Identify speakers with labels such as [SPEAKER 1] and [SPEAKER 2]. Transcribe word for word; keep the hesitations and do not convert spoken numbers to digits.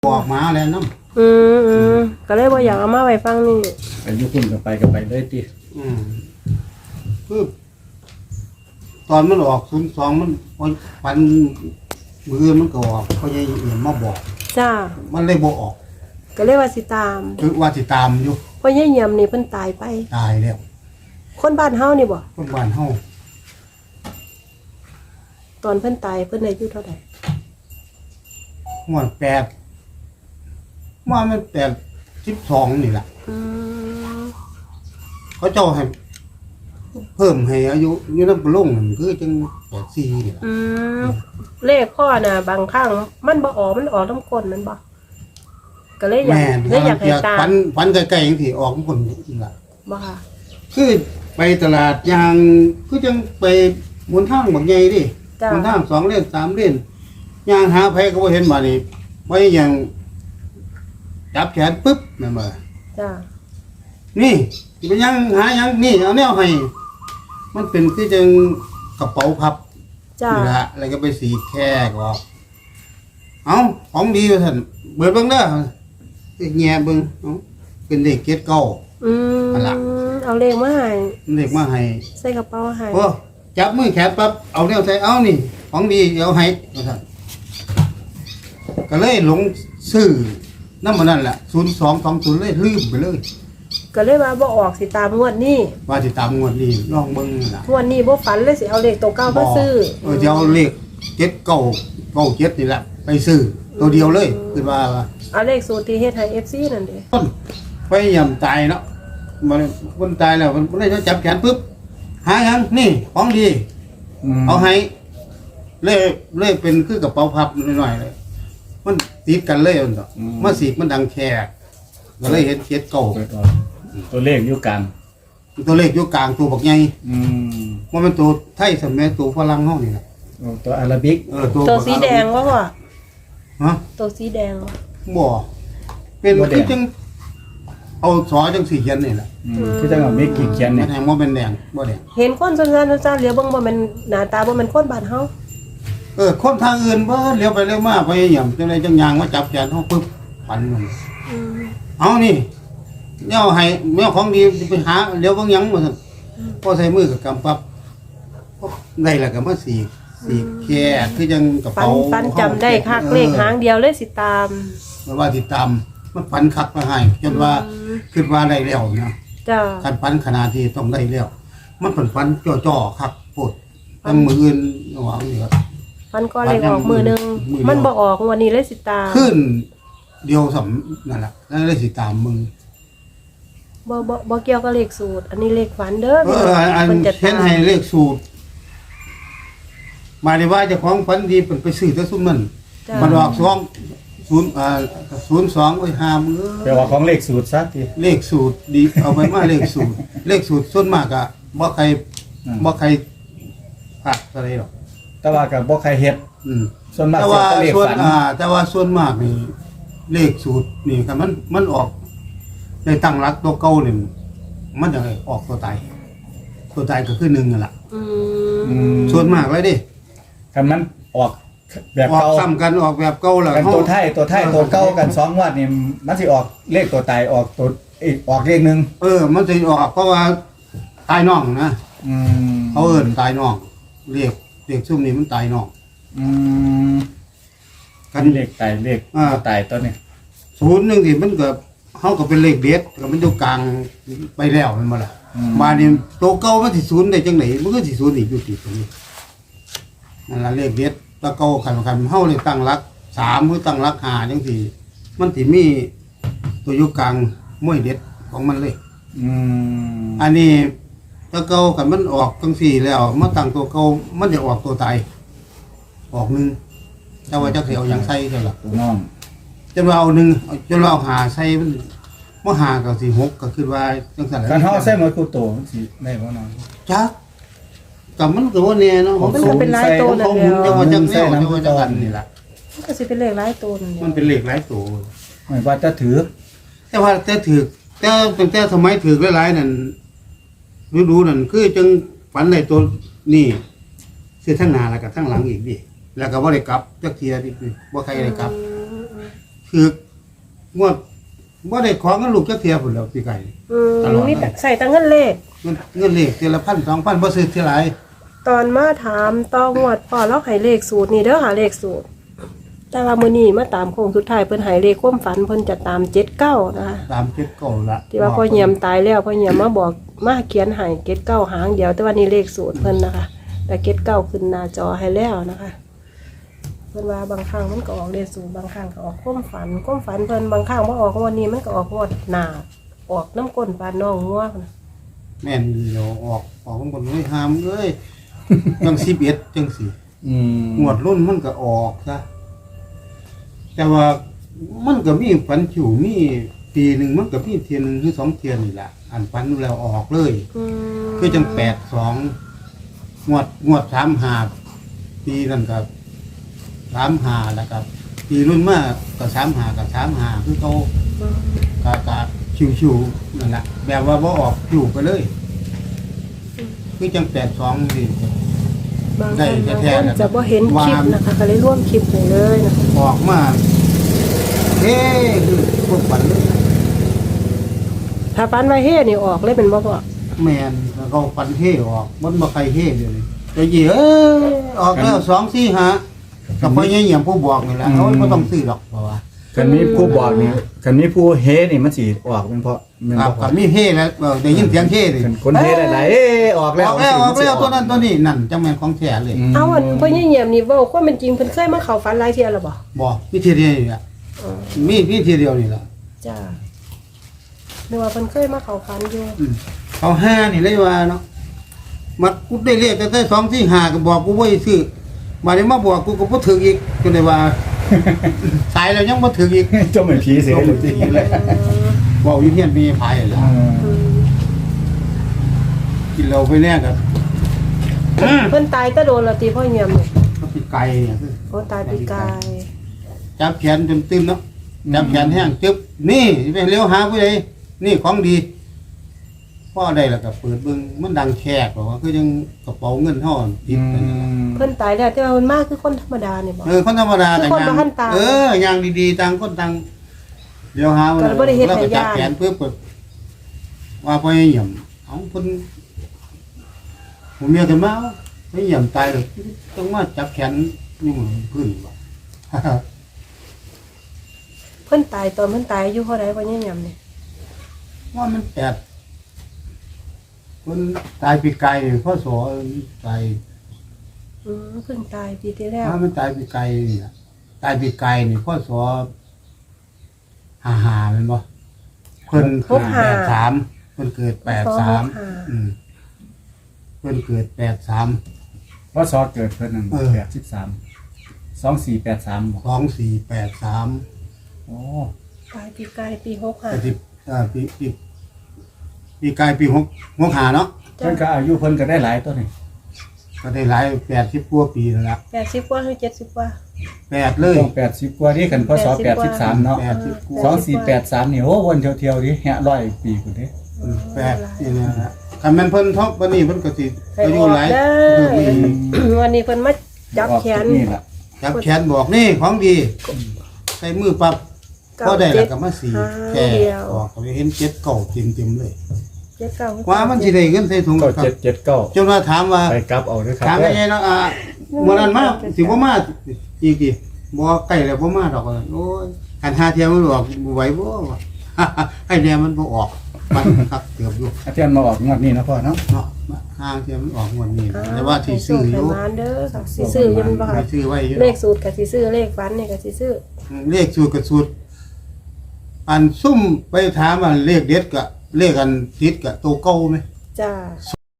[SPEAKER 1] บอกมาแล้วน้ำ
[SPEAKER 2] อืมอืมก็เลยบ่อยากเอามาไว้ฟังนี่
[SPEAKER 3] ไปยุคุณก็ไปก็ไปเลยติ
[SPEAKER 1] อืมคือตอนมันออกศูนย์สองมันปันมือมันก็ออกเขายังเอี่ยมมาบอก
[SPEAKER 2] จ้า
[SPEAKER 1] มันเลยบ่ออก
[SPEAKER 2] ก็เลยว่าสิตาม
[SPEAKER 1] คือว่าสิตามอยู่
[SPEAKER 2] เพราะยายเยี่ยมนี่เพิ่นตายไป
[SPEAKER 1] ตายแล้ว
[SPEAKER 2] คนบ้านเฮานี่บ่
[SPEAKER 1] คนบ้านเฮา
[SPEAKER 2] ตอนเพิ่นตายเพิ่นอายุเท่าใด
[SPEAKER 1] หัวแปดว่ามันแปดสิบสองนี่แหละ
[SPEAKER 2] อืม
[SPEAKER 1] เขาเจ้าให้เพิ่มให้อายุอยู่นำปลงนั่นคือจังแปดสี่นี่ล่ะ
[SPEAKER 2] อืมเลขข้อน่ะบางครั้งมันบ่ออกมันออกทั้งคนมันบ่ก็เลยอยากเลยอยากให้ตาม
[SPEAKER 1] ฝันฝันใกล้ๆจังซี่ออกคนนี่ล่ะ
[SPEAKER 2] บ่ค่ะ
[SPEAKER 1] คือไปตลาดยางคือจังไปบนทางบักใหญ่ดิบนทางสองเลนสามเลนยางหาไผก็บ่เห็นบ่นี่ไว้อย่างจับแขนปึ๊บแม่นบ่
[SPEAKER 2] จ้า
[SPEAKER 1] นี่สิไปยังหายังนี่เอาแนวให้มันเป็นคือจังกระเป๋าพับ
[SPEAKER 2] จ้า
[SPEAKER 1] นี่ล่ะแล้วก็ไปสีแค่ก็เอ้าของดีว่าซั่นเบิดเบิ่งเด้อแง่เบิ่งเอ้าเป็นเลขเจ็ดเก้า
[SPEAKER 2] อืมเอาเลขมาให้
[SPEAKER 1] เลขมาให้
[SPEAKER 2] ใส่กระเป๋าให้
[SPEAKER 1] โอ้จับมือแขนปั๊บเอาแนวใส่เอานี่ของดีเอาให้ว่าซั่นก็เลยหลงซื้อนำมันนั่นแหละศูนย์สองสองศูนย์เลยลืมไปเลย
[SPEAKER 2] ก็เลยว่าบ่ออกสิตามงวดนี้
[SPEAKER 1] ว่าสิตามงวดนี้ลองเบิ่งล่ะ
[SPEAKER 2] งวดนี้บ่ฝันเลยสิเอาเลขตัวเก่ามาซื้อ
[SPEAKER 1] เออจะเอาเลขเจ็ดเก้าเก้าเจ็ดนี่แหละไปซื้อตัวเดียวเลยคือว่า
[SPEAKER 2] เอาเลขสูตรที่เฮ็ดให้ เอฟ ซี นั่นเด้
[SPEAKER 1] ต้นไปย่ำตายเนาะมันคนตายแล้วมันได้จับแขนปึ๊บหายังนี่ของดีเอาให้เลยเลยเป็นคือกระเป๋าพับหน่อยๆเลยมันติดกันเลยมันต่อมาสีมันดังแขกก็เลยเห็นเจ็ดเก้า
[SPEAKER 3] ตัวเลขอยู่กลาง
[SPEAKER 1] ตัวเลขอยู่กลางตัวบักใหญ่
[SPEAKER 3] อืม
[SPEAKER 1] ว่ามันตัวไทยสมัยตัวฝรั่งเฮานี่แหละ
[SPEAKER 3] ตัวอาราบิก
[SPEAKER 1] เออตัว
[SPEAKER 2] ตัวสีแดงว่าพ่อ
[SPEAKER 1] ฮะ
[SPEAKER 2] ตัวสีแดง
[SPEAKER 1] บ่เป็นคือจังเอาสอจังสีเขียนนี่แหละ
[SPEAKER 3] คือจังเอาเมฆเขียน
[SPEAKER 1] นี่
[SPEAKER 3] เนี่ย
[SPEAKER 1] แทงบ่เป็นแดงบ่แดง
[SPEAKER 2] เห็นคนซั่นๆซั่นๆเหลียวเบิ่งบ่แม่นหน้าตาบ่แม่นคนบ้านเฮา
[SPEAKER 1] เออคนทางอื่นบ่เลี้ยวไปเลี้ยวมาไปหยังจังได๋จังยางมาจับแขนเฮาปึ๊บปันมัน
[SPEAKER 2] อืม
[SPEAKER 1] เอานี่แนวให้แนวของดีไปหาเลี้ยวเบิ่งหยังว่าซั่นพอใส่มือก็กำปั๊บได้แล้วก็มาสีสีแค่คือจังกระเป๋า
[SPEAKER 2] ปันจำได้คักเลขหางเดียวเลยสิตาม
[SPEAKER 1] มันว่าสิตามมันปันคักมาให้จนว่าคิดว่าได้แล้วนะ
[SPEAKER 2] จ้า
[SPEAKER 1] คันปันขนาดที่ต้องได้แล้วมันปันปันจ่อๆคักโพดทั้งมืออื่นว่านี่ครับ
[SPEAKER 2] มันก็เลขออกมือนึงมันบ่ออกวันนี้เลยสิตาม
[SPEAKER 1] ขึ้นเดียวสำนั่นล่ะแล้วเลยสิตามมึง
[SPEAKER 2] บ่บ่บ่เกี่ยวกับเลขสูตรอันนี้เลขฝันเด้อ
[SPEAKER 1] เอออันเห็นให้เลขสูตรมาได้ว่าเจ้าของฝันดีเพิ่นไปซื้อแต่ซุมนั้นมันออกสองศูนย์อ่าศูนย์สองไว้ห้ามื้อ
[SPEAKER 3] แปลว่าของเลขสูตรซะติ
[SPEAKER 1] เลขสูตรดีเอาไปมาเลขสูตรเลขสูตรส่วนมากอ่ะบ่ใครบ่ใครพลาดอะไรหรอก
[SPEAKER 3] แต่ว่าก็บ่ใครเฮ็ด
[SPEAKER 1] อืม
[SPEAKER 3] ส่วนมาก
[SPEAKER 1] แต่ว่าส่วนอ่าแต่ว่าส่วนมากนี่เลขสูตรนี่คันมันมันออกได้ตั้งหลักตัวเก่านี่มันจะออกตัวตายตัวตายก็คือหนึ่งนั่นล่ะ
[SPEAKER 2] อื
[SPEAKER 1] มส่วนมากเลยดิ
[SPEAKER 3] คันมันออกแบบ
[SPEAKER 1] เก่าออกซ้ำกันออกแบบเก่าแล้ว
[SPEAKER 3] กันตัวไทยตัวไทยตัวเก่ากันสองงวดนี่มันสิออกเลขตัวตายออกตัวอีกออกเลขนึง
[SPEAKER 1] เออมันสิออกเพราะว่าตายน้องนะ
[SPEAKER 3] อืม
[SPEAKER 1] เขาเอิ้นตายน้องเลขเลขซุ่มนี้มันตายน้อง
[SPEAKER 3] อืมกันเลขตายเลขตายตัวนี้
[SPEAKER 1] ศูนย์นึงสิมันก็เฮาก็เป็นเลขเด็ดก็มันอยู่กลางไปแล้วแม่นบ่ล่ะมานี่ตัวเก่ามันสิศูนย์ได้จังได๋มันก็สิศูนย์อีกอยู่ติตรงนี้นั่นล่ะเลขเด็ดตะเก่าคันคันเฮาเลยตั้งหลักสามหรือตั้งหลักห้าจังซี่มันสิมีตัวอยู่กลางมวยเด็ดของมันเลย
[SPEAKER 3] อืม
[SPEAKER 1] อันนี้ตะเก่าคันมันออกจังซี่แล้วมาตั้งตัวเก่ามันจะออกตัวตายออกหนึ่งแต่ว่าจักสิเอาหยังใส่เท่าล่ะ
[SPEAKER 3] ตัวน้อง
[SPEAKER 1] จนว่าเอาหนึ่งจนว่าเอาหาใส่มันบ่หาก็สิหกก็คือว่าจังซั่นแหละ
[SPEAKER 3] คันเฮาใส่หมดคู่โตมันสิได้บ่น้อง
[SPEAKER 1] จักก็มันก็บ่แน่เนาะ
[SPEAKER 2] มันก็เป็นหลายโตนั่นแหละ
[SPEAKER 1] จังว่าจังแนวจังว่าจังกันนี่ล่ะ
[SPEAKER 2] มันก็สิเป็นเลขหลายโตนั่นแหละ
[SPEAKER 1] มันเป็นเลขหลายโต
[SPEAKER 3] หมายว่าจะถือ
[SPEAKER 1] แต่ว่าแต่ถือแต่ตั้งแต่สมัยถือหลายๆนั่นรู้ๆนั่นคือจังฝันในตัวนี่คือทั้งหน้าแล้วก็ทั้งหลังอีกดิแล้วก็บ่ได้กลับจักเที่ยดิบ่ใครได้กลับคคืองวดบ่ได้ของกันลูกจักเที่ยพุ่นแล้วพี่ไก่
[SPEAKER 2] อืม
[SPEAKER 1] ตลอด
[SPEAKER 2] มีแต่ใส่แต่เงินเลข
[SPEAKER 1] เงินเงินเลขเทีละพันสองพันบ่ซื้อเท่าไหร่
[SPEAKER 2] ตอนมาถามต่องวดพ่อเราให้เลขสูตรนี่เด้อหาเลขสูตร แต่ว่ามื้อนี้มาตามโค้งสุดท้ายเพิ่นให้เลขความฝันเพิ่นจะตามเจ็ดเก้านะคะ
[SPEAKER 1] ตามเจ็ดเก่าละ
[SPEAKER 2] ที่ว่าพ่อเหี่ยมตายแล้วพ่อเหี่ยมมาบอกมาเขียนให้เจ็ดเก้าหางเดียวแต่ว่านี่เลขสูตรเพิ่นนะคะ แต่เจ็ดเก้าขึ้นหน้าจอให้แล้วนะคะเพิ่นว่าบางครั้งมันก็ออกเลขสูตรบางครั้งก็ออกความฝันความฝันเพิ่นบางครั้งบ่ออกวันนี้มันก็ออกงวดหน้าออกน้ำก้นปานน้องงัวพุ่น
[SPEAKER 1] แม่นเดี๋ยวออกออกข้างบนเลยหามเอ้ย จังสิบเอ็ดจังสี่
[SPEAKER 3] อืม
[SPEAKER 1] งวดรุ่นมันก็ออกซะแต่ว่ามันก็มีฝันฉิวมีปีหนึ่งมันก็มีเทียนหนึ่งหรือสองเทียนนี่แหละอันฝันแล้วออกเลย
[SPEAKER 2] อืม
[SPEAKER 1] คือจังแปดสองงวดงวดสามหาปีนั่นกับสามหาแล้วกับปีรุ่นมากกับสามหากับสามหาคือเขา
[SPEAKER 2] อืม
[SPEAKER 1] กะกะชิวๆนั่นแหละแบบว่าบ่ออกชิวไปเลย คือจังแปดสองนี่
[SPEAKER 2] บาง
[SPEAKER 1] ได้
[SPEAKER 2] คนบาง
[SPEAKER 1] แท้
[SPEAKER 2] คน
[SPEAKER 1] ๆนะครับ
[SPEAKER 2] จะบ่เห็นคลิปนะคะ ก็เลยร่วมคลิปให้เลยนะคะ
[SPEAKER 1] ออกมาเฮ้คือพวกฝันเลย
[SPEAKER 2] ถ้าฟันไว้เฮ่นี่ออกเลยเป็นบ่พ่อ
[SPEAKER 1] แมนแล้วเขาฝันเฮ่ออกมันบ่ใครเฮ่เลยแต่ยี่เออออกแล้วสองสี่หากับพ่อใหญ่เหี่ยมผู้บอกนี่แหละเขาไม่ต้องซื้อหรอกเพราะว่า
[SPEAKER 3] คันนี้ผู้บอกเนี่ยคันนี้ผู้เฮนี่มันสิออกเป็นเพราะแม่น
[SPEAKER 1] ครับ
[SPEAKER 3] บ่
[SPEAKER 1] กับมีเฮ่แล้วเออได้ยินเสียงเฮ่เลย
[SPEAKER 3] คันคนเฮหลายๆเอ้ออก
[SPEAKER 1] อ
[SPEAKER 3] แล้ว
[SPEAKER 1] อกแล้วออกแล้วตัวนั้นตัวนี้นั่นจังแม่นของแท้เลย
[SPEAKER 2] เอาอันพ่อใหญ่เหี่ยมนี่เว้าความเป็นจริงเพิ่นเคยมาเข้าฝันหลายเที่ยแล้วบ่
[SPEAKER 1] บอกวิธีเดียวนี่แหละ
[SPEAKER 2] อ๋อ
[SPEAKER 1] มีวิธีเดียวนี่แหละ
[SPEAKER 2] จ้านึกว่าเพิ่นเคยมาเข้าฝันอยู่
[SPEAKER 1] อืมเอาห้านี่เลยว่าเนาะมัดกูได้เรียกแต่ได้สองสี่ห้าก็บอกกูว่าให้ซื้อมาได้มาบอกกูก็บ่ถึงอีกก็เลยว่า ตายแล้วยังบ่ถึงอีก
[SPEAKER 3] เจ้าเหมือนผีเสียเลยจริง
[SPEAKER 1] เลย บอกอยู่เฮียนมีพายแหละ
[SPEAKER 2] อืม
[SPEAKER 1] กินเราไปแน่กับ
[SPEAKER 2] เพิ่นตายแตะโดนและติพ่อเหี่ยมนี่
[SPEAKER 1] ก็ปีไก่เนี่ยคือ
[SPEAKER 2] โอ้ตายปีกาย
[SPEAKER 1] จับแขนจนตึมเนาะจับแขนแห้งจึ๊บนี่ไปเลี้ยวหาผู้ใดนี่ของดีพ่อได้แล้วก็เปิดเบิ่งมันดังแขกบอกว่าคือยังกระเป๋าเงินห่อติดไปนั่นน่ะ
[SPEAKER 2] เพิ่นตายแล้วแต่ว่าเพิ่นมาคือคนธรรมดานี่บ่
[SPEAKER 1] เออคนธรรมดา
[SPEAKER 2] คือคนบ่ทันตาย
[SPEAKER 1] เออย่างดีๆต่างคนต่างเดี๋ยวหาว่า
[SPEAKER 2] ก็บ่ได้เฮ็ด
[SPEAKER 1] เรา
[SPEAKER 2] ให้
[SPEAKER 1] ก็จับ
[SPEAKER 2] ญาติ
[SPEAKER 1] แขนเพื่อเปิดว่าพ่อให้เหี่ยมเอาเพิ่นผมเมียกันมาไม่เหี่ยมตายเลยต้องมาจับแขนนี่เหมือนพื้นว่ะ
[SPEAKER 2] เพิ่นตายตอนเพิ่นตายอายุเท่าใดพ่อใหญ่เหี่ยมนี่
[SPEAKER 1] ว่ามันแปดคนตายปีไก่พ่อสอตาย
[SPEAKER 2] อืมเพิ่งตายปีที่แล้ว
[SPEAKER 1] ถ้ามันตายปีไก่นี่ล่ะตายปีไก่นี่พ่อสอหาหาเป็นบ่เพิ่นเกิดแปดสามเพิ่นเกิดแปดสามอืมเพิ่นเกิดแปดสาม
[SPEAKER 3] เพราะซอเกิดเพิ่นนั่น
[SPEAKER 1] เออ
[SPEAKER 3] แปดสิบสาม สองสี่แปดสามบ่
[SPEAKER 1] สองสี่แปดสาม
[SPEAKER 3] โอ้
[SPEAKER 2] ตายปีกายปีหกห้า
[SPEAKER 1] แต่ที่อ่าปีปีปีไก่ปีหกหกหาเนาะ
[SPEAKER 3] เพิ่นก็อายุเพิ่นก็ได้หลายตัวนี่
[SPEAKER 1] ก็ได้หลายแปดสิบกว่าปีแล้วล่ะ
[SPEAKER 2] แปดสิบกว่าหรือเจ็ดสิบกว่า
[SPEAKER 1] แปดเลย
[SPEAKER 3] ต้องแปดสิบกว่านี่กันพศแปดสิบสามเนาะ
[SPEAKER 1] แปดสิบกว่า
[SPEAKER 3] สองสี่แปดสามนี่โอ้วนเที่ยวๆดิแฮะร้อยปีพุ่นเด้
[SPEAKER 1] อืมแปดนี่นะฮะคันแม่นเพิ่นท็อปวันนี้เพิ่นก็สิ
[SPEAKER 2] ให้
[SPEAKER 1] อา
[SPEAKER 2] อ
[SPEAKER 1] ยุ
[SPEAKER 2] อก
[SPEAKER 1] หลาย
[SPEAKER 2] ได้
[SPEAKER 1] เพิ่มอีก
[SPEAKER 2] วันนี้เพิ่นมาจับแขน
[SPEAKER 3] ออกจากนี่ล่ะ
[SPEAKER 1] จับแขนบอกนี่ของดีใส่มือปั๊บพอได้แล้วก็มาสีแค่ออกก็ไปเห็นเจ็ดเก่าเต็มๆเลย
[SPEAKER 2] เจ็ดเก้า
[SPEAKER 1] ว่ามันสิได้เงินใส่ถุง
[SPEAKER 3] เก้า
[SPEAKER 1] ครับ
[SPEAKER 3] เจ็ดเจ็ดเก้า
[SPEAKER 1] จนว่าถามว่า
[SPEAKER 3] ไปกลับเอาเด้วยครับ
[SPEAKER 1] ถามยังไงเนาะอ่ามื้อนั้นมาสิบ่มาอีกอีบ่ใกล้แล้วบ่มาดอกว่าโอ้ยคันหาเที่ยวมันออกบ่ไหวบ่วะ ให้แน่มันบ่ออกมันครับเกือบอยู่
[SPEAKER 3] อาจารย์มาออกงวดนี้นะพ่อเนาะ
[SPEAKER 1] เนาะห้างเที่ยวมันออกงวดนี้แต่ว่าสิซื้ออยู่
[SPEAKER 2] ให้มานเด้อค่ะสิซื้ออยังบ่
[SPEAKER 1] ไป
[SPEAKER 2] ค่ะ
[SPEAKER 1] ซื้อไว้อยู่
[SPEAKER 2] เลขสูตรกับสิซื้อเลขฟันนี่กับสิซื้อ
[SPEAKER 1] เลขสูตรกับสูตรอันซุ่มไปถามอันเลขเด็ดกับเลขอันทิศกับตัวเก่าไหม
[SPEAKER 2] จ้า